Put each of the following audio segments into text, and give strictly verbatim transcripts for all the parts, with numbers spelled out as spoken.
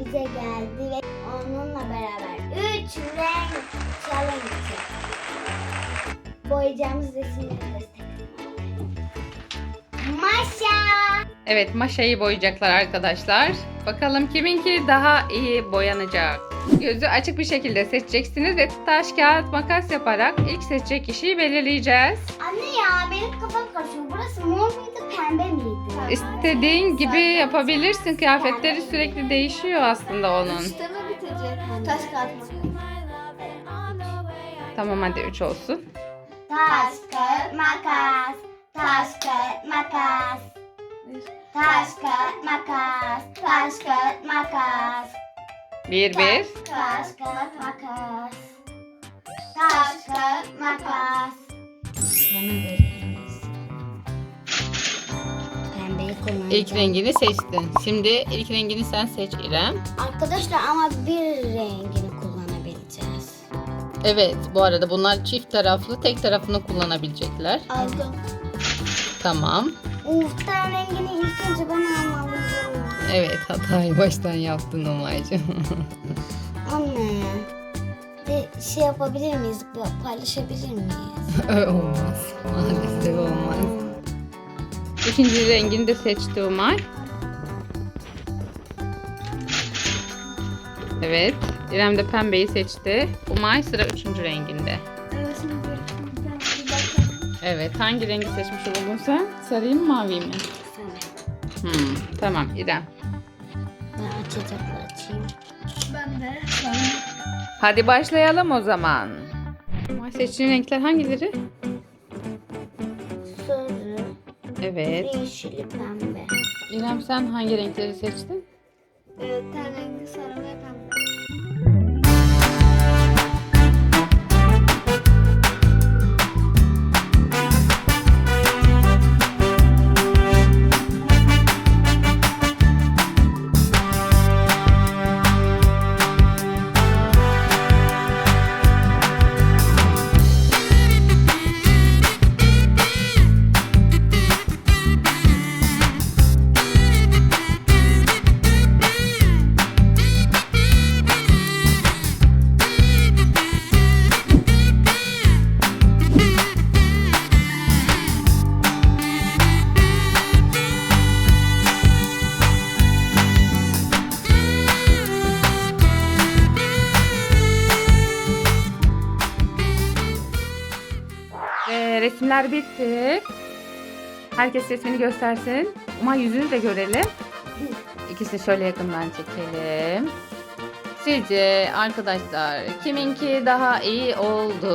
bize geldi ve onunla beraber üç renk challenge boyayacağımız resimleri gösterelim. Maşa. Evet, Maşa'yı boyayacaklar arkadaşlar. Bakalım kiminki daha iyi boyanacak. Gözü açık bir şekilde seçeceksiniz ve taş, kağıt, makas yaparak ilk seçecek kişiyi belirleyeceğiz. Anne ya benim kafam karışıyor. Burası mor muydu, pembe miydi? İstediğin gibi yapabilirsin. Kıyafetleri sürekli değişiyor aslında onun. Üçte mi bitecek? Taş kağıt makas. Tamam, hadi üç olsun. Taş, kağıt, makas. Taş, kağıt, makas. Taş, kağıt, makas. Taş, kağıt, makas. Bir bir. Taş, kağıt, makas. Taş, kağıt, makas. Bana veririz. Pembeyi kullanacağım. İlk rengini seçtin. Şimdi ilk rengini sen seç İrem. Arkadaşlar ama bir rengini kullanabileceğiz. Evet, bu arada bunlar çift taraflı, tek tarafını kullanabilecekler. Aldım. Tamam. Uf, ten rengini ilk önce ben almalıyım. Evet, hatayı baştan yaptın Umay'cığım. Anne, bir şey yapabilir miyiz? Bir paylaşabilir miyiz? Olmaz. Maalesef olmaz. İkinci rengini de seçti Umay. Evet. İrem de pembeyi seçti. Umay sıra üçüncü renginde. Evet, şimdi bir, bir bakalım. Evet. Hangi rengi seçmiş oldun sen? Sarıyı mı, mavi mi? Sana. Hmm, tamam İrem. Ben açacaklar açayım. Ben de. Hadi başlayalım o zaman. Umay seçtiğin renkler hangileri? Sarı, Evet. yeşili, pembe. İrem sen hangi renkleri seçtin? Evet, ten rengi sarı ve pembe. Ve resimler bitti. Herkes resmini göstersin. Ama yüzünü de görelim. İkisini şöyle yakından çekelim. Sizce arkadaşlar kiminki daha iyi oldu?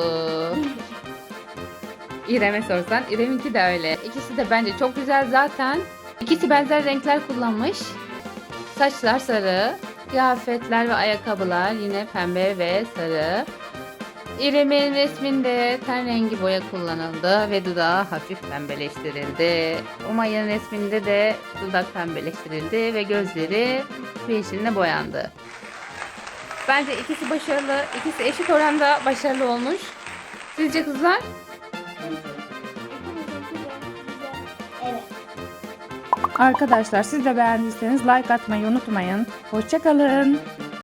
İrem'e sorsan. İrem'inki de öyle. İkisi de bence çok güzel zaten. İkisi benzer renkler kullanmış. Saçlar sarı. Kıyafetler ve ayakkabılar yine pembe ve sarı. İrem'in resminde ten rengi boya kullanıldı ve dudağı hafif pembeleştirildi. Umay'ın resminde de dudak pembeleştirildi ve gözleri yeşiline boyandı. Bence ikisi başarılı, ikisi eşit oranda başarılı olmuş. Sizce kızlar? Evet. Arkadaşlar siz de beğendiyseniz like atmayı unutmayın. Hoşça kalın.